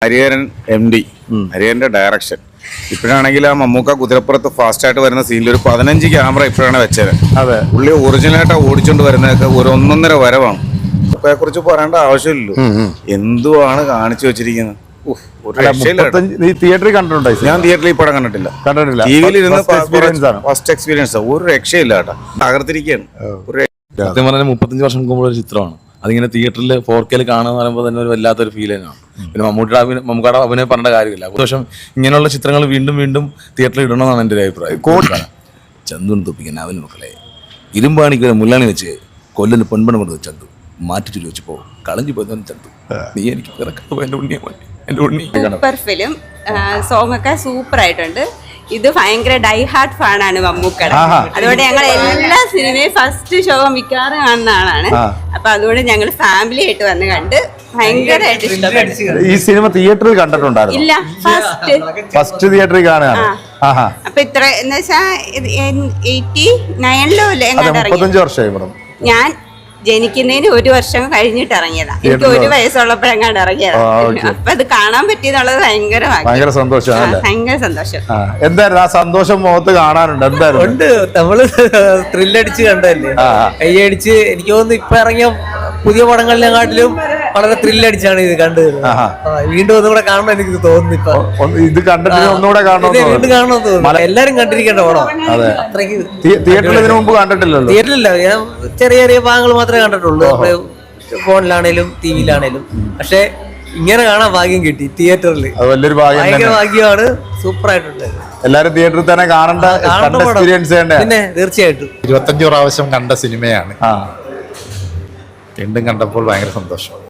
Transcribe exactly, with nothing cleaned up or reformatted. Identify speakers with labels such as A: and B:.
A: Hariharan M D ഹരിഹരന്റെ direction. ഇപ്പോഴാണെങ്കിൽ ആ മമ്മൂക്ക കുതിരപ്പുറത്ത് ഫാസ്റ്റ് ആയിട്ട് വരുന്ന സീനിൽ ഒരു പതിനഞ്ച് ക്യാമറ ഇപ്പോഴാണ് വെച്ചത്.
B: അതെ,
A: പുള്ളി ഒറിജിനലായിട്ട് ഓടിച്ചോണ്ട് വരുന്നതൊക്കെ ഒരു ഒന്നൊന്നര വരവാണ്. ഇപ്പയെ കുറിച്ച് പറയേണ്ട ആവശ്യമില്ലല്ലോ, എന്തുവാണ് കാണിച്ചു വെച്ചിരിക്കുന്നത്.
B: തിയേറ്ററിൽ കണ്ടിട്ടുണ്ടോ?
A: ഞാൻ തിയേറ്ററിൽ ഈ പടം കണ്ടിട്ടില്ല,
B: കണ്ടിട്ടില്ല.
A: ടി വിയിൽ ഇരുന്ന് ഫസ്റ്റ് എക്സ്പീരിയൻസ്. ഒരു രക്ഷയില്ല കേട്ടോ, തകർത്തിരിക്കുകയാണ്.
C: സത്യം പറഞ്ഞാൽ മുപ്പത്തഞ്ച് വർഷം മുമ്പുള്ള ഒരു ചിത്രമാണ്. അതിങ്ങനെ തിയേറ്ററിൽ ഫോർ കെയിൽ കാണുക പറയുമ്പോൾ തന്നെ ഒരു വല്ലാത്തൊരു ഫീൽ തന്നെയാണ്. പിന്നെ മമ്മൂട്ടിയുടെ അഭിനയം മമ്മൂക്കാടെ അഭിനയം പറഞ്ഞ കാര്യമില്ല. പക്ഷേ ഇങ്ങനെയുള്ള ചിത്രങ്ങൾ വീണ്ടും വീണ്ടും തിയേറ്ററിൽ ഇടണമെന്നാണ് എൻ്റെ ഒരു അഭിപ്രായം. ചന്തുവിന് തൊപ്പിക്കാൻ അവന് മക്കളെ ഇരുമ്പാണിക്ക് മുല്ലാണി വെച്ച് കൊല്ലന് പൊൻപണം കൊടുത്ത് ചന്തു മാറ്റിച്ചു ചോദിച്ചപ്പോ കളഞ്ഞു പോയതാണ് ചന്തു. നീ എനിക്ക് എന്റെ ഉണ്ണിയെ എന്റെ ഉണ്ണി.
D: സൂപ്പർ ഫിലിം, സോങ് ഒക്കെ സൂപ്പർ ആയിട്ടുണ്ട്. ഇത് ഭയങ്കര ഡൈ ഹാർട്ട് ഫാനാണ് മമ്മൂക്കയുടെ. അതുകൊണ്ട് ഞങ്ങൾ എല്ലാ സിനിമയും ഫസ്റ്റ് ഷോ മിക്കവാറും കാണുന്ന ആളാണ്. അപ്പൊ അതുകൊണ്ട് ഞങ്ങൾ ഫാമിലി ആയിട്ട് വന്ന് കണ്ട് ഭയങ്കരമായിട്ട് ഇഷ്ടപ്പെട്ടു.
B: ഈ സിനിമ തിയേറ്ററിൽ കണ്ടിട്ടുണ്ടായിരുന്നു?
D: ഇല്ല, ഫസ്റ്റ്
B: ഫസ്റ്റ് തിയേറ്ററിൽ കാണുകയാണ്.
D: അപ്പൊ ഇത്ര എന്ന് വെച്ചാ എയ്റ്റി നയനിലോ അല്ലേ
B: മുപ്പത്തഞ്ച് വർഷമായി ഇവിടെ.
D: ഞാൻ ജനിക്കുന്നതിന് ഒരു വർഷം കഴിഞ്ഞിട്ട് ഇറങ്ങിയതാ. എനിക്ക് ഒരു വയസ്സുള്ളപ്പോഴെങ്ങാണ്ട് ഇറങ്ങിയതാ. അപ്പൊ അത് കാണാൻ പറ്റിയെന്നുള്ളത് ഭയങ്കര
B: ഭയങ്കര സന്തോഷം.
D: ഭയങ്കര സന്തോഷം.
B: എന്തായിരുന്നു ആ സന്തോഷം മുഖത്ത് കാണാനുണ്ട്? എന്തായാലും
E: ഉണ്ട്, നമ്മള് ത്രില്ലടിച്ച് കണ്ടല്ലേ, കയ്യടിച്ച്. എനിക്ക് തോന്നുന്നു ഇപ്പൊ ഇറങ്ങിയ പുതിയ പടങ്ങളിലെക്കാട്ടിലും വളരെ ത്രില്ലടിച്ചാണ് ഇത് കണ്ടത്. വീണ്ടും ഒന്നും കൂടെ കാണണം എനിക്ക് തോന്നുന്നു. ഇപ്പൊ
B: ഇത് കണ്ടിട്ട് ഒന്നുകൂടെ
E: വീണ്ടും കാണണമെന്ന് തോന്നുന്നു. എല്ലാരും കണ്ടിരിക്കേണ്ട പടം. അത്രയ്ക്ക്
B: തിയേറ്ററിൽ ഇതിനു മുമ്പ് കണ്ടിട്ടില്ലല്ലോ?
E: തിയേറ്ററിലില്ല, ഞാൻ ചെറിയ ചെറിയ ഭാഗങ്ങൾ മാത്രമേ കണ്ടിട്ടുള്ളൂ, ഫോണിലാണേലും ടി വിയിലാണേലും. പക്ഷെ ഇങ്ങനെ കാണാൻ ഭാഗ്യം കിട്ടി തിയേറ്ററിൽ.
B: വലിയൊരു ഭാഗ്യം,
E: ഭാഗ്യമാണ്. സൂപ്പർ ആയിട്ടുണ്ട്.
B: എല്ലാരും തിയേറ്ററിൽ തന്നെ കാണേണ്ട എക്സ്പീരിയൻസ്.
E: പിന്നെ തീർച്ചയായിട്ടും
F: ഇരുപത്തഞ്ചു പ്രാവശ്യം കണ്ട സിനിമയാണ്. വീണ്ടും കണ്ടപ്പോൾ ഭയങ്കര സന്തോഷം.